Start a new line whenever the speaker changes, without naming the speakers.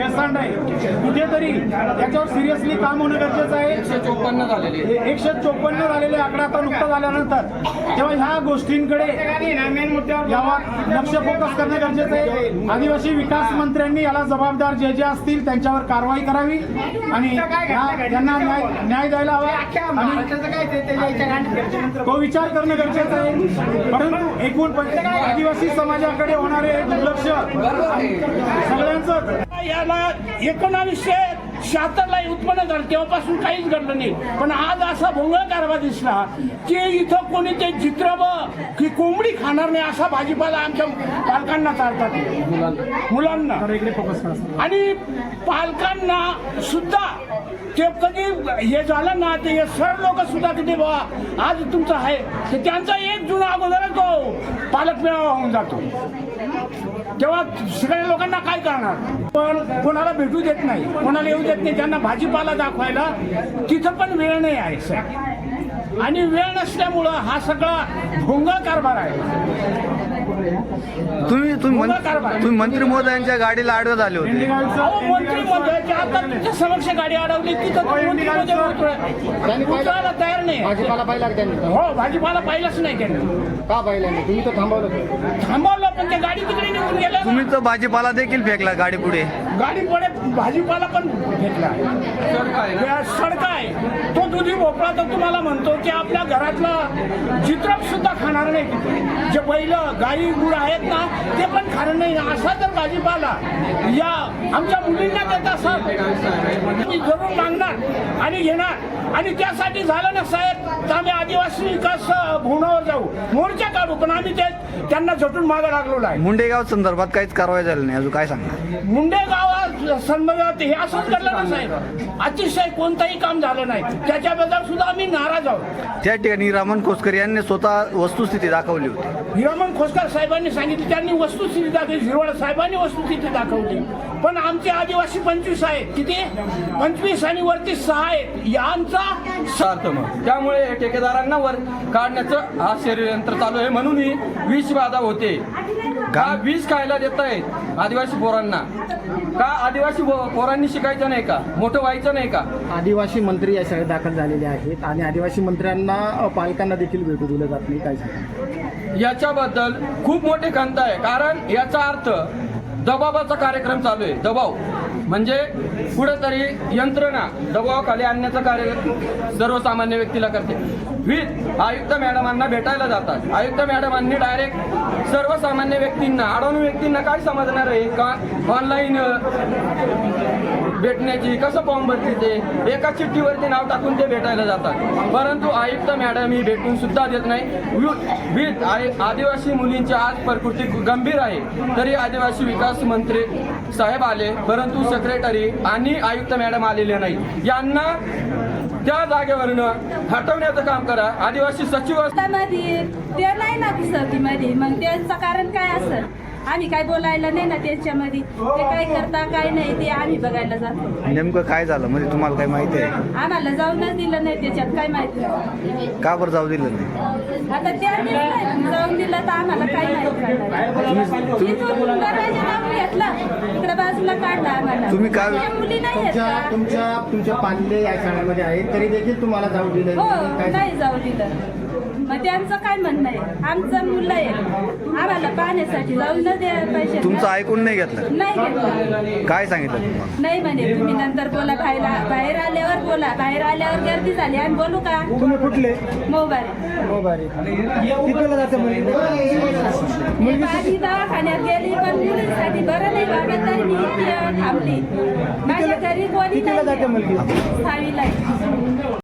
हेळसांड आहे, कुठेतरी याच्यावर सिरियसली काम होणं गरजेचं आहे.
154 झालेले
154 झालेले आकडा आता नुकता झाल्यानंतर तेव्हा ह्या गोष्टींकडे यावर लक्ष फोकस करणं गरजेचं आहे. आदिवासी विकास मंत्र्यांनी याला जबाबदार जे जे असतील त्यांच्यावर कारवाई करावी आणि त्यांना न्याय द्यायला हवा आणि तो विचार करणं गरजेचं आहे. परंतु एकूण आदिवासी समाजाकडे होणारे दुर्लक्ष सगळ्यांचं
याला 1976 ला उत्पन्न झालं, तेव्हापासून काहीच घडलं नाही. पण आज असा भोंगळ कारभार दिसला की इथं कोणी ते चित्र की कोंबडी खाणार नाही असा भाजीपाला आमच्या पालकांना चालतात, मुलांना. आणि पालकांना सुद्धा ते कधी हे झालं ना ते सर लोक सुद्धा तिथे बाबा आज तुमचं आहे तर त्यांचा 1 जून अगोदर तो पालक मेळावा होऊन जातो. तेव्हा सगळ्या लोकांना काय करणार. पण कोणाला भेटू देत नाही, कोणाला येऊ देत नाही. त्यांना भाजीपाला दाखवायला तिथं पण वेळ नाही आहे सर. आणि वेळ नसल्यामुळं हा सगळा भोंगळ कारभार आहे.
तुम्ही मंत्री महोदयांच्या गाडीला आडवे झाले होते.
मंत्री महोदयाच्या आता तिच्या समक्ष गाडी अडवली तिथं मंत्री महोदय उतरायला तयार नाही.
भाजीपाला पाहिला त्यांनी?
हो, भाजीपाला पाहिलाच नाही त्यांनी.
का पाहिला नाही? तुम्ही तर
थांबवलं पण ते गाडी तिकडे निघून गेल्या.
तुम्ही तर भाजीपाला देखील फेकला गाडी पुढे.
गाडी पुढे भाजीपाला पण फेकला. सडका आहे तो दुधी भोपळा तर तुम्हाला म्हणतो की आपल्या घरातला चित्रप सुद्धा खाणार नाही तिथे. जे बैल गाई गुड आहेत ना ते पण खाणार नाही. असा जर भाजीपाला या आमच्या मुलींना देत असाल मी जरूर मागणार आणि घेणार. आणि त्यासाठी झालं ना साहेब तर आम्ही आदिवासी विकास भवनावर जाऊ, मोर्चा काढू. पण आम्ही त्यांना झटून मागे लागलो आहे.
मुंडेगाव संदर्भात काहीच कारवाई झाली नाही. अजून काय सांगणार?
मुंडेगावात संदर्भात हे असंच घडलं ना साहेब. अतिशय कोणतंही काम झालं नाही, त्याच्याबद्दल सुद्धा आम्ही नाराज आहोत.
त्या ठिकाणी रामन खोसकर यांनी स्वतः वस्तुस्थिती दाखवली होती.
हिरामन खोसकर साहेबांनी सांगितलं, त्यांनी वस्तुस्थिती दाखवली. हिरवाळ साहेबांनी वस्तुस्थिती दाखवली. पण आमचे आदिवासी 25 आहेत. किती? 25 आणि वरती 6 आहेत. यांचा
स्वार्थ मग त्यामुळे ठेकेदारांना वर काढण्याचं हा षडयंत्र चालू आहे. म्हणून ही विष बाधा होते. का विष खायला देत आहेत आदिवासी पोरांना? का आदिवासी पोरांनी शिकायचं नाही का? मोठं व्हायचं नाही का?
आदिवासी मंत्री या शाळेत दाखल झालेले आहेत आणि आदिवासी मंत्र्यांना पालकांना देखील भेटू दिलं जात नाही. काय सांगा
याच्याबद्दल खूप मोठी खंत आहे. कारण याचा अर्थ दबावाचा कार्यक्रम चालू आहे. दबाव म्हणजे कुठेतरी यंत्रणा दबावाखाली आणण्याचं कार्य सर्वसामान्य व्यक्तीला करते. आयुक्त मॅडमांना भेटायला जातात. आयुक्त मॅडमांनी डायरेक्ट सर्वसामान्य व्यक्तींना, अडवणू व्यक्तींना काय समजणार आहे का ऑनलाईन भेटण्याची? कसं फॉर्म भरते ते? एका चिठ्ठीवरती नाव टाकून ते भेटायला जातात. परंतु आयुक्त मॅडम ही भेटून सुद्धा देत नाही. आदिवासी मुलींची आज प्रकृती गंभीर आहे तरी आदिवासी विकास मंत्री साहेब आले, परंतु सेक्रेटरी आणि आयुक्त मॅडम आलेले नाही. यांना त्या जागेवरनं हटवण्याचं काम करा. आदिवासी सचिव
ते नाही ना मध्ये, मग त्यांचं कारण काय असेल? आम्ही काय बोलायला नाही ना त्याच्यामध्ये. ते काय करता काय नाही ते आम्ही बघायला जातो.
नेमकं काय झालं म्हणजे तुम्हाला काय माहिती आहे?
आम्हाला जाऊनच दिलं नाही त्याच्यात काय माहिती.
का बरं जाऊ दिलं नाही?
आता त्यांनी जाऊन दिलं तर आम्हाला काय माहिती. इथून दरवाजा लावून घेतला, इकडे बाजूला काढला आम्हाला.
तुम्ही काय
मुली नाही आहेत का?
तुमच्या पाल्ले या शाळेमध्ये आहेत तरी देखील तुम्हाला जाऊ दिलं
हो,
काय?
नाही जाऊ दिलं. मग त्यांचं काय म्हणणं आहे? आमचं मुलं आहे, आम्हाला पाहण्यासाठी जाऊ न द्या पैसे.
तुमचं ऐकून नाही घेतलं?
नाही घेतलं.
काय सांगितलं तुम्हाला?
नाही म्हणे तुम्ही नंतर बोला. बाहेर आल्यावर बोला. बाहेर आल्यावर गर्दी झाली आणि बोलू का?
तुम्ही कुठले?
मोबाईल
कितीला जातं मुली?
आधी दवाखान्यात गेली पण मुलींसाठी बरं नाही वाटत तरी मी इथे थांबली. माझ्या घरी कोणी
कितीला जाते
नाही.
मुलगी?
6वीला आहे.